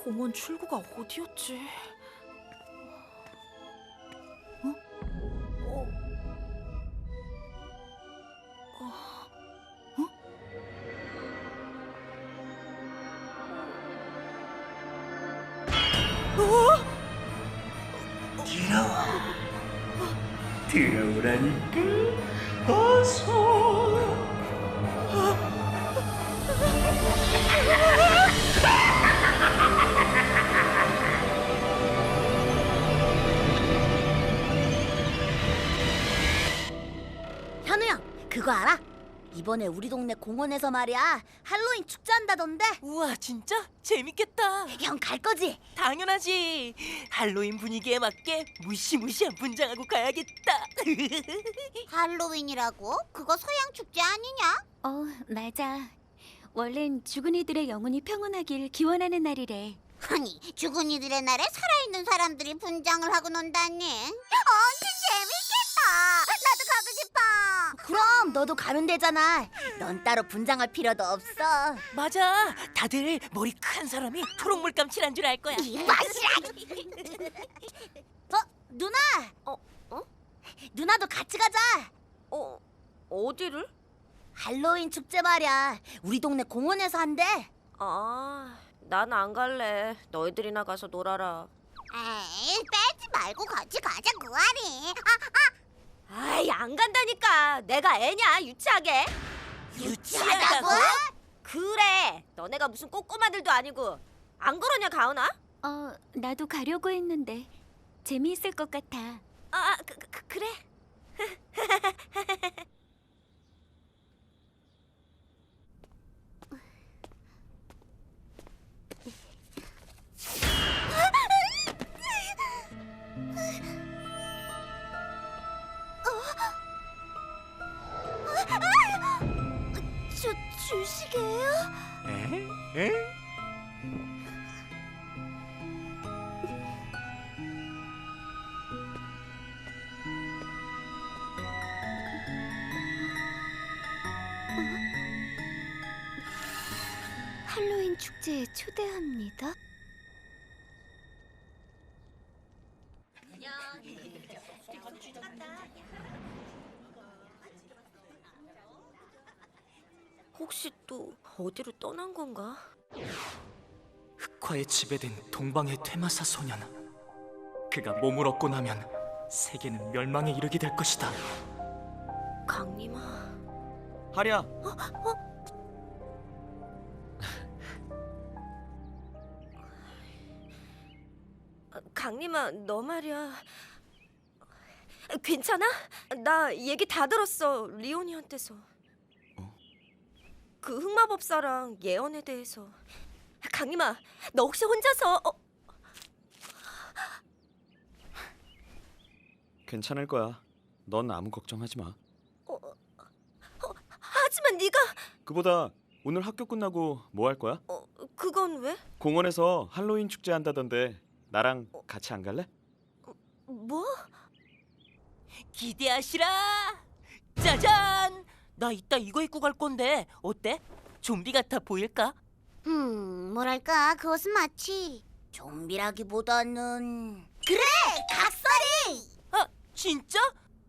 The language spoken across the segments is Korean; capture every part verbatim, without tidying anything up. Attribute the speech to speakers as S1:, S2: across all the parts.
S1: 공원 출구가 어디였지? 어? 어? 어? 어?
S2: 들어와. 들어오라니까. 어서.
S3: 현우야, 그거 알아? 이번에 우리 동네 공원에서 말이야 할로윈 축제 한다던데.
S1: 우와, 진짜? 재밌겠다.
S3: 형 갈 거지?
S1: 당연하지. 할로윈 분위기에 맞게 무시무시한 분장하고 가야겠다.
S3: 할로윈이라고? 그거 서양 축제 아니냐?
S4: 어, 맞아. 원래는 죽은 이들의 영혼이 평온하길 기원하는 날이래.
S3: 아니, 죽은 이들의 날에 살아있는 사람들이 분장을 하고 논다니. 엄청 재밌겠다. 나도 가고 싶어. 그럼 너도 가면 되잖아. 넌 따로 분장할 필요도 없어.
S1: 맞아. 다들 머리 큰 사람이 초록 물감 칠한 줄 알 거야.
S3: 이 맛이라. 어, 누나.
S5: 어? 어?
S3: 누나도 같이 가자.
S5: 어? 어디를?
S3: 할로윈 축제 말이야. 우리 동네 공원에서 한대.
S5: 아, 난 안 갈래. 너희들이나 가서 놀아라.
S3: 에이, 빼지 말고 같이 가자, 구아리.
S5: 아이, 안 간다니까. 내가 애냐, 유치하게.
S3: 유치하다고?
S5: 그래. 너네가 무슨 꼬꼬마들도 아니고. 안 그러냐, 가은아?
S4: 어, 나도 가려고 했는데 재미있을 것 같아.
S5: 아, 그, 그, 그래.
S3: 주, 주식이에요?
S2: 에? 에?
S4: 할로윈 축제에 초대합니다.
S5: 혹시 또 어디로 떠난 건가?
S2: 흑화에 지배된 동방의 퇴마사 소년. 그가 몸을 얻고 나면 세계는 멸망에 이르게 될 것이다.
S5: 강림아.
S2: 하랴.
S5: 강림아, 너 말이야. 괜찮아? 나 얘기 다 들었어. 리오니한테서. 그 흑마법사랑 예언에 대해서. 강림아, 너 혹시 혼자서 어,
S6: 괜찮을 거야. 넌 아무 걱정하지 마.
S5: 하지만 네가
S6: 그보다 오늘 학교 끝나고 뭐 할 거야?
S5: 어, 그건 왜?
S6: 공원에서 할로윈 축제 한다던데 나랑 같이 안 갈래?
S5: 뭐?
S1: 기대하시라. 짜잔. 나 이따 이거 입고 갈 건데 어때? 좀비 같아 보일까?
S3: 음, 뭐랄까, 그것은 마치 좀비라기보다는 그래, 각설이.
S1: 아, 진짜?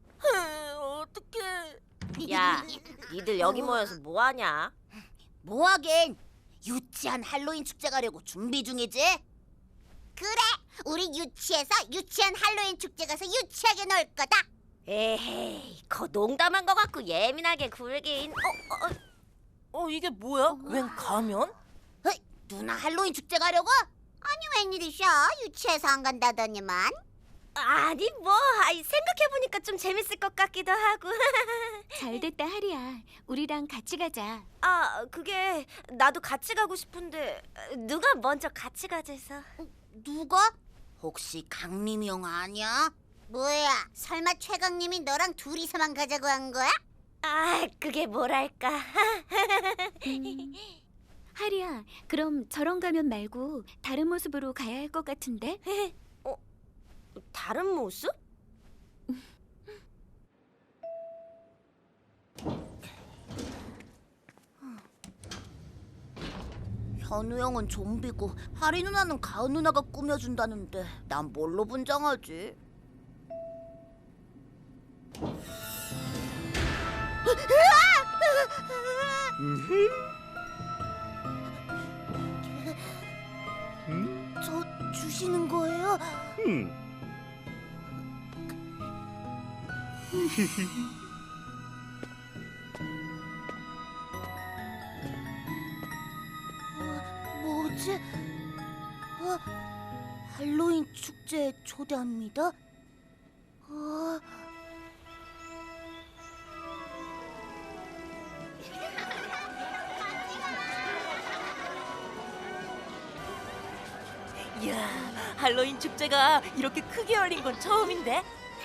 S1: 어떡해.
S5: 야, 니들 여기 모여서 뭐 하냐?
S3: 뭐하긴, 유치한 할로윈 축제 가려고 준비 중이지. 그래, 우리 유치해서 유치한 할로윈 축제 가서 유치하게 놀 거다.
S5: 에헤이, 거 농담한 거 같고 예민하게 굴긴. 어, 어,
S1: 어, 이게 뭐야? 웬 가면?
S3: 어이, 누나 할로윈 축제 가려고? 아니, 웬일이셔? 유치해서 안 간다더니만.
S5: 아니 뭐, 아이, 생각해보니까 좀 재밌을 것 같기도 하고.
S4: 잘됐다, 하리야. 우리랑 같이 가자.
S5: 아, 그게 나도 같이 가고 싶은데 누가 먼저 같이 가재서.
S3: 누가? 혹시 강림이 형 아니야? 뭐야, 설마 최강님이 너랑 둘이서만 가자고 한 거야?
S5: 아, 그게 뭐랄까.
S4: 음, 하리야, 그럼 저런 가면 말고 다른 모습으로 가야 할 것 같은데?
S5: 어, 다른 모습?
S3: 현우 형은 좀비고 하리 누나는 가은 누나가 꾸며준다는데 난 뭘로 분장하지? 저 주시는 거예요?
S6: 음.
S3: 어, 뭐지? 어, 할로윈 축제에 초대합니다. 어...
S1: 이야, 할로윈 축제가 이렇게 크게 열린 건 처음인데?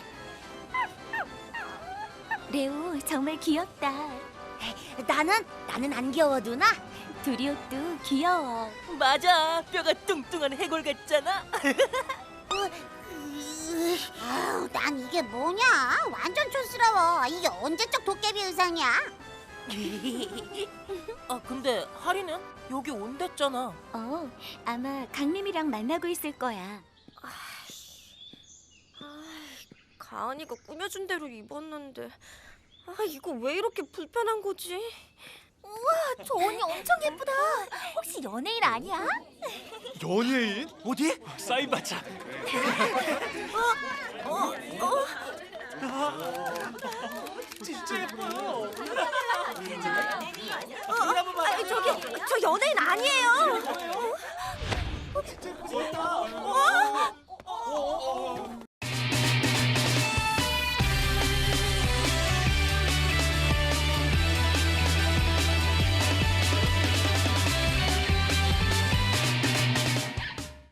S4: 레오 정말 귀엽다.
S3: 나는 나는 안 귀여워 누나.
S4: 둘이 옷도 귀여워.
S1: 맞아, 뼈가 뚱뚱한 해골 같잖아.
S3: 아우, 난 이게 뭐냐? 완전 촌스러워. 이게 언제적 도깨비 의상이야?
S1: 아, 근데 하리는 여기 온댔잖아.
S4: 어, 아마 강림이랑 만나고 있을 거야.
S5: 가은이가 꾸며준 대로 입었는데 아 이거 왜 이렇게 불편한 거지?
S3: 저 언니 엄청 예쁘다. 혹시 연예인 아니야?
S2: 연예인? 어디? 사인 받자.
S5: 아, 저기 저 연예인 아니에요.